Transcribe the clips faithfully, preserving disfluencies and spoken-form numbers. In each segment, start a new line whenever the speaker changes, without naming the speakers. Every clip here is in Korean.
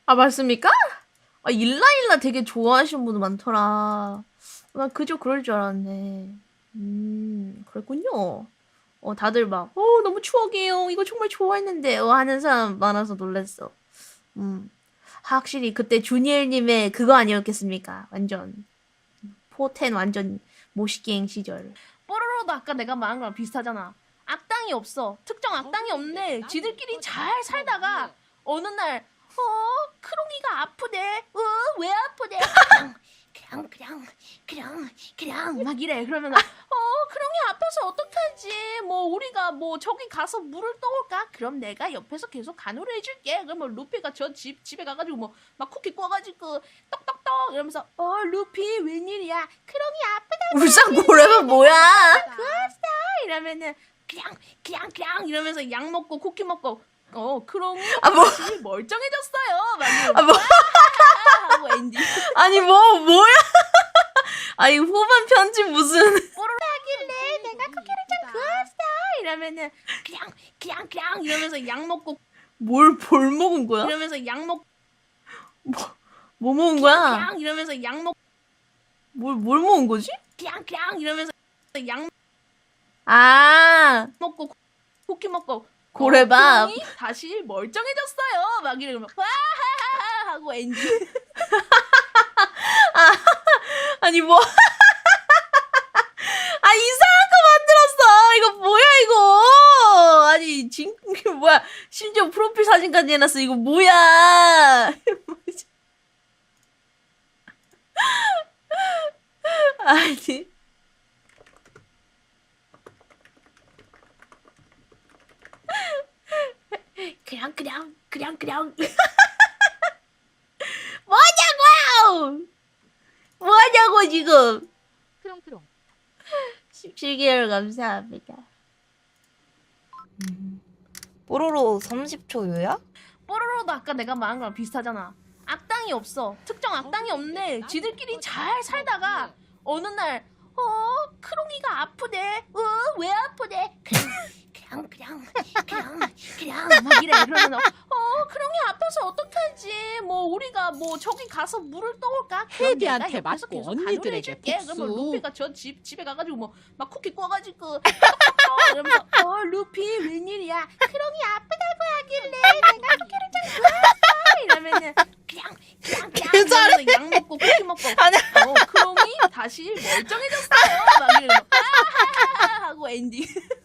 아, 맞습니까? 아, 일라일라 되게 좋아하시는 분들 많더라. 나 그저 그럴 줄 알았네. 음, 그랬군요. 어, 다들 막, 어, 너무 추억이에요. 이거 정말 좋아했는데. 어, 하는 사람 많아서 놀랐어. 음, 확실히 그때 주니엘님의 그거 아니었겠습니까? 완전. 포텐 완전 모시갱 시절. 뽀로로도 아까 내가 말한 거랑 비슷하잖아. 악당이 없어. 특정 악당이 없네. 지들끼리 잘 살다가 어느 날 어? 크롱이가 아프대. 어? 왜 아프대? 그냥 그냥 그냥 그냥 막 이래. 그러면 어? 크롱이 아파서 어떡하지? 뭐 우리가 뭐 저기 가서 물을 떠올까? 그럼 내가 옆에서 계속 간호를 해줄게. 그러면 루피가 저 집 집에 가가지고 뭐 막 쿠키 구워가지고 떡떡떡 이러면서 어 루피 웬일이야? 크롱이 아프다고. 울상고래가 뭐야? 그았어 이러면은 그냥 그냥 그냥 이러면서 약 먹고 쿠키 먹고 어 크롱이 아, 뭐. 다시 멀쩡해졌어요. 막 이러면서 아, 뭐. 하고 엔딩. 아니 뭐 뭐야? 아니 후반 편집 무슨 뽀로로하길래 내가 쿠키를 좀 구웠어 이러면은 그냥 그냥 그냥 이러면서 약 먹고 뭘 볼 먹은 거야? 이러면서 약 먹 뭐, 뭐 먹은 거야? 그냥 이러면서 약 먹 뭘 뭘 먹은 거지? 그냥 그냥 이러면서 약 아 먹고 쿠키 먹고 고래밥 어, 다시 멀쩡해졌어요. 막 이러면 와하하하 하고 엔딩. 아, 아니 뭐 아 이상한 거 만들었어. 이거 뭐야 이거. 아니 진 이게 뭐야. 심지어 프로필 사진까지 해놨어. 이거 뭐야. 아니 그냥 그냥 그냥 그냥 뭐냐고요. 뭐냐고 지금.
크롱크롱.
십칠 개월 감사합니다.
음. 뽀로로 삼십 초 요약?
뽀로로도 아까 내가 말한 거랑 비슷하잖아. 악당이 없어. 특정 악당이 없네. 지들끼리 잘 살다가 어느 날 어? 크롱이가 아프대. 어? 왜 아프대? 그냥 그냥 그냥 그냥 막 이래. 그러면 어? 크롱이 아파서 어떡하지? 뭐 우리가 뭐 저기 가서 물을 떠올까?
헤비한테 맞고 언니들에게 복수.
그러면 루피가 저 집 집에 가가지고 뭐 막 쿠키 구워가지고 이러면서 어 루피 웬일이야? 크롱이 아프다고 하길래 내가 쿠키를 좀 구웠어 이러면은 그냥 그냥 그냥 이러면서 약 먹고 쿠키 먹고 어 크롱이 다시 멀쩡해졌어요. 막 이러면서 아하하하 하고 엔딩.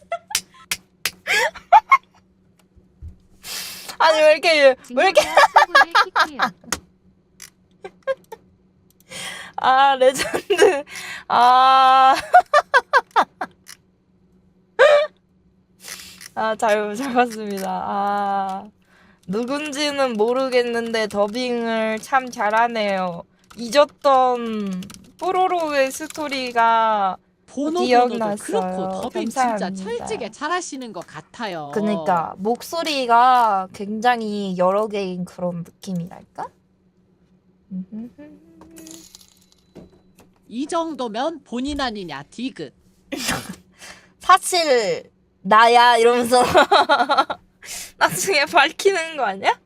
아니 왜 이렇게 왜 이렇게 아 레전드. 아. 아, 잘, 잘 봤습니다. 아, 누군지는 모르겠는데 더빙을 참 잘하네요. 잊었던 뽀로로의 스토리가
보노보노도 그렇고
기억났어요.
더빙
감사합니다.
진짜 찰지게 잘하시는 것 같아요.
그니까 목소리가 굉장히 여러 개인 그런 느낌이랄까?
이 정도면 본인 아니냐 디귿.
사실 나야 이러면서 나중에 밝히는 거 아니야?